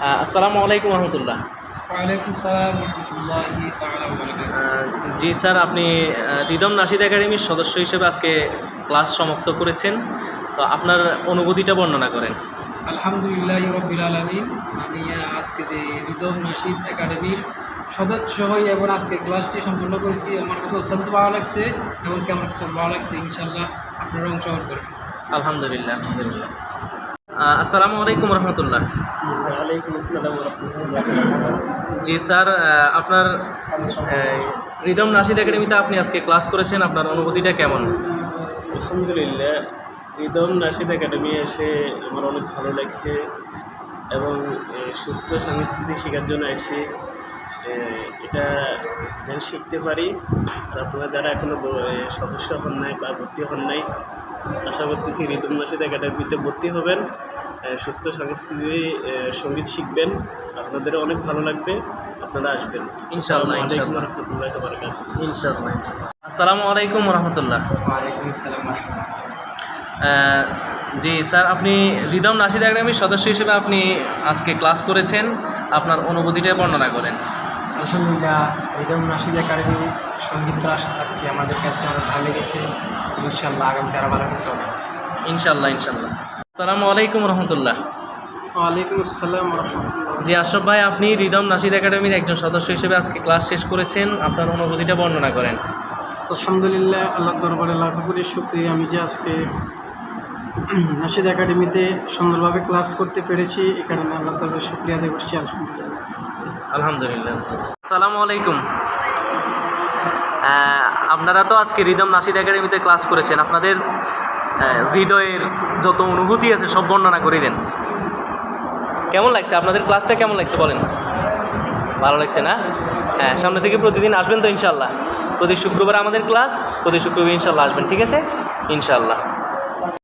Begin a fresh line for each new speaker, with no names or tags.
আসসালামু আলাইকুম রহমতুল্লাহ।
ওয়ালাইকুম সালাম রহমতুল্লাহি তাআলা ওয়া বারাকাতুহু।
জি স্যার, আপনি রিদম নাশিদ একাডেমির সদস্য হিসেবে আজকে ক্লাস সমাপ্ত করেছেন, তো আপনার অনুভূতিটা বর্ণনা করেন।
আলহামদুলিল্লাহি রাব্বিল আলামিন। আমি আজকে যে রিদম নাশিদ একাডেমির সদস্য হই এবং আজকে ক্লাসটি সম্পূর্ণ করেছি, আমার কাছে অত্যন্ত ভালো লাগছে এবং আমার কাছে ভালো লাগছে। ইনশাআল্লাহ আপনারা অংশগ্রহণ করবেন।
আলহামদুলিল্লাহ আলহামদুলিল্লাহ। আসসালামু আলাইকুম রহমতুল্লাহ।
ওয়ালাইকুম আসসালাম রাহমাতুল্লাহ।
জি স্যার, আপনার রিদম নাশিদ একাডেমিতে আপনি আজকে ক্লাস করেছেন, আপনার অনুভূতিটা কেমন?
আলহামদুলিল্লাহ, রিদম নাশিদ একাডেমি এসে আমার অনেক ভালো লাগছে এবং সুস্থ সংস্কৃতি শেখার জন্য এসেছি। এটা যেন শিখতে পারি। আর আপনারা যারা এখনও সদস্য হন নাই বা ভর্তি হন নাই, আশা করতেছি রিদম নাশিদ একাডেমিতে ভর্তি হবেন, সুস্থ সংস্কৃতি সঙ্গীত শিখবেন, আপনাদেরও অনেক ভালো লাগবে, আপনারা আসবেন
ইনশাআল্লাহ
ইনশাআল্লাহ রহমতুল্লাহ বারাকাতুহু।
ইনশাআল্লাহ ইনশাআল্লাহ। আসসালামু আলাইকুম রহমতুল্লাহ।
ওয়ালাইকুম আসসালাম রাহমাতুল্লাহ।
জি স্যার, আপনি রিদম নাশিদ একাডেমির সদস্য হিসেবে আপনি আজকে ক্লাস করেছেন, আপনার অনুভূতিটা বর্ণনা করেন।
আলহামদুলিল্লাহ, রিদম নাশিদ একাডেমি সঙ্গীত ক্লাস আজকে আমাদের কাছে অনেক ভালো লেগেছে। ইনশাআল্লাহ আগামীতে আরও ভালো কিছু হবে।
ইনশাআল্লাহ ইনশাআল্লাহ। আসসালামু আলাইকুম রহমতুল্লাহ।
ওয়ালাইকুম আসসালাম রহমতুল্লাহ।
জি আশরাফ ভাই, আপনি রিদম নাশিদ একাডেমির একজন সদস্য হিসেবে আজকে ক্লাস শেষ করেছেন, আপনার অনুভূতিটা বর্ণনা করেন।
আলহামদুলিল্লাহ, আল্লাহ দরবারে লাখ কোটি শুকরিয়া, আমি যে আজকে নাশিদ একাডেমিতে সুন্দরভাবে ক্লাস করতে পেরেছি, এই কারণে আল্লাহ দরবারে শুকরিয়া আদায় করছি। আলহামদুলিল্লাহ।
আলহামদুলিল্লাহ। আসসালামু আলাইকুম। আপনারা তো আজকে রিদম নাশিদ একাডেমিতে ক্লাস করেছেন, আপনাদের হৃদয়ের যত অনুভূতি আছে সব বর্ণনা করে দেন। কেমন লাগছে আপনাদের ক্লাসটা, কেমন লাগছে বলেন? ভালো লাগছে না? হ্যাঁ, সামনে থেকে প্রতিদিন আসবেন তো ইনশাআল্লাহ। প্রতি শুক্রবার আমাদের ক্লাস, প্রতি শুক্রবার ইনশাআল্লাহ আসবেন, ঠিক আছে? ইনশাআল্লাহ।